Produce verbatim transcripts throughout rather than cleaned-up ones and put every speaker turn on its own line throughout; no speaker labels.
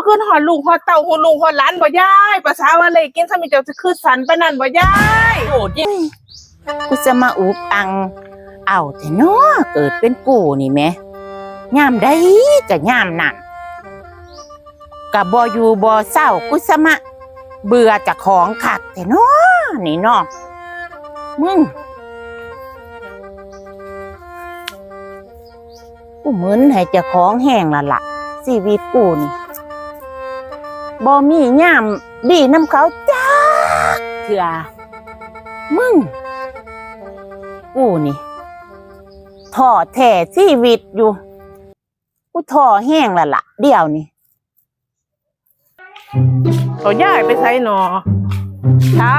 คืนหอดลูกหอดเต่าหูลูกหอดหลานบ่ยายภาษาว่าเลยกินสมิเจ้าจะคือสันไปนั่นบ่ยาย
โอ้ยกูจะมาอุบอังเอาแต่เนาะเกิดเป็นกูนี่แม่ยามใดก็ยามนั่นก็บ่อยู่บ่เศร้ากูจะมาเบื่อจากของขัดแต่เนาะนี่เนาะมึงกูเหมือนให้เจ้าของแห้งละล่ะชีวิตกูนี่บ่มีย่ามดีน้ำเขาจ้าเถื่อมึงกูนี่ท่อแท้ชีวิตอยู่กูท่อแห้งละล่ะเดี๋ยวนี่
เขาย้ายไปไสหนอเช้า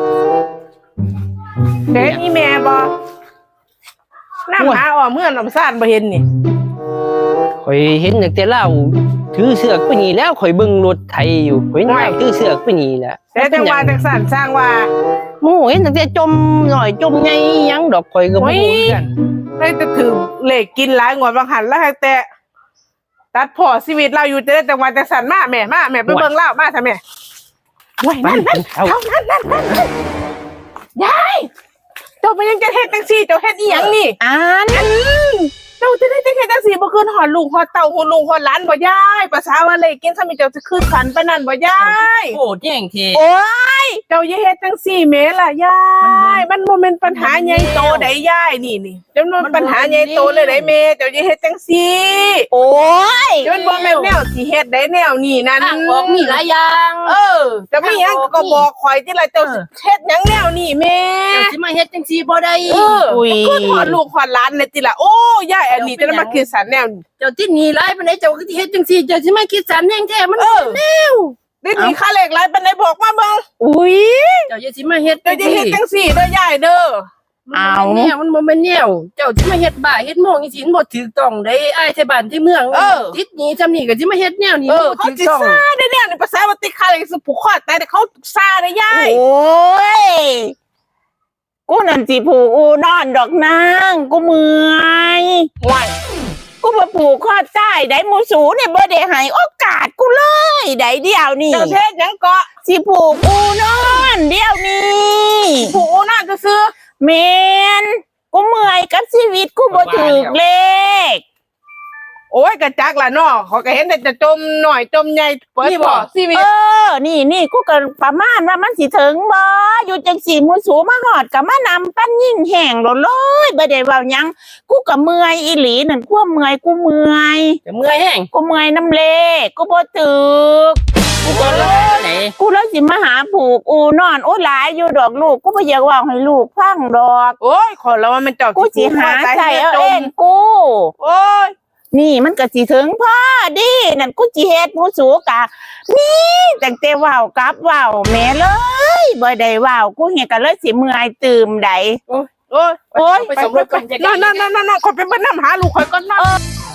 เด็กอีแม่บ่น้ำหาออกเมื่อนำซ่านบ่เห็นนี่
ข่อยเห็นตั้งแต่เล่าถือเสือกไปนี่แล้วข่อยเบิ่งรถไถอยู่ข่อยเห็นเล่าถือเสือกไปนี่แหละ
แต่จังว่าจังสั่นสร้างว่า
โอ้เห็นตั้งแต่จมหน่อยจมใหญ่ยังดอกข่อยก็บ่รู้กัน
ได้จะถือเลขกินหลายงวดบางหันแล้วแต่ตัดพอชีวิตเราอยู่จะได้จังว่าจังสั่นมาแม่มาแม่ไปเบิ่งเล่ามาซะแม่ไว้นั่นนั่นเท่านั้นนั่นนั่นยายเจ้าไปยังจะเฮ็ดจังซี่เจ้าเฮ็ดอีหยังนี่
อ่าน
เจ้าจะได้จังเฮ็ดจังซี่บ่คืนหอดลูกหอดเต่าหูลูกหอดหลานบ่ยายภาษาว่าเลยกินสมิเจ้าจะคือสันไปนั่นบ่ยาย
โอ้แจ้งเท
โอ้ยเจ้าอย่าเฮ็ดจังซี่แม่ล่ะยายมันบ่แม่นปัญหาใหญ่โตใดยายนี่นี่จำนวนปัญหาใหญ่โตเลยได้แม่เจ้าอย่าเฮ็ดจังซี่
โอ้ย
จนบ่แม่นแนวสิเฮ็ดได้แนวนี้นั่น
บอกมีหลายอย่าง
เออจะมีหยังก็บอกข่อยที่ละเจ้าเฮ็ดหยังแนวนี้แม่
เจ้าสิมาเฮ็ดจังซี่บ่ได้
อุ้ยคือถอดลูกถอดหลานนี่ติล่ะโอ้ยายอันนี้จะมาคิดสันแนว
เจ้าที่นี่หลายปานใดเจ้าก็สิเฮ็ดจังซี่เจ้าสิมาคิดสันแฮงแท้มันแนว
ได้มีค่าเลขหลายปานใดบอกมาเบิ่ง
อุ้ยเจ้าอย่าสิมาเฮ็ด
เจ้าจะเฮ็ดจังซี่เด้อยายเด้อ
เอาแนวมันบ่แม่นแนวเจ้าสิมาเฮ็ดบ้าเฮ็ดโมงจังซี่บ่ถูกต้องได้อ้ายไทบ้านที่เมืองติดนี้จำนี่ก็สิมาเฮ็ดแนวนี้บ่ถูกต้อง
ซ่าได้แนวนี่ภาษาว่าติค่าเลขสิผูกคอตายแต่เขาซ่าได้ยาย
โอ้ยกูนั่นสิผูกอูนอนดอกนางกูเมื่อยว้ายกูมาผูกข้อใต้ได้หมูสูเนี่ยบ่ได้ให้โอกาสกูเลยได้เดียวนี่
เจ้าเฮ็ดหยังเกาะ
สิผูกอูนอนเดียวนี่
ผูกอูนอนจะซื้อ
เมนกูเมื่อยกับชีวิตกูบ่ถูกเลข
โอ้ยกระจักล่ะเนาะเขาก็เห็นแต่จะจมหน่อยจมใหญ่เปิดบ่ชีวิต
เออนี่นี่กูก็ประมาณว่ามันสิถึงบ่อยู่จังสี่มูสูมาหอดก็มานำปั้นยิ่งแห้งโลดเลยบ่ได้เว้าหยังกูก็เมื่อยอีหลีนั่นกูเมื่อยกูเมื่อย
จะเมื่อยแห้ง
กูเมื่อยน้ำเลกูบ่ตึกกูก็เลยกูเลยสิมาหาผูกอูนอนโอ้หลายอยู่ดอกลูกกูบ่อยากเว้าให้ลูกฟังดอก
โอ้ยขอแล้วว่ามันเจ้า
กูสิหาใจเอาเองกู
โอ้ย
นี่มันก็สิถึงพ่อดินั่นกูจิเฮ็ดหมูสูกะนี่ตั้งแต่ว่าวกับว่าวแม่เลยบ่ได้ว่าวกูเฮ็ดก็เลยสิเมื่อยตื่มใด
โอ้ยโอ้ย
โอ้ย
ไปสำรวจก่อนนั่นๆๆๆขอไปเบิ่งน้ำหาลูกข่อยก่อนนะ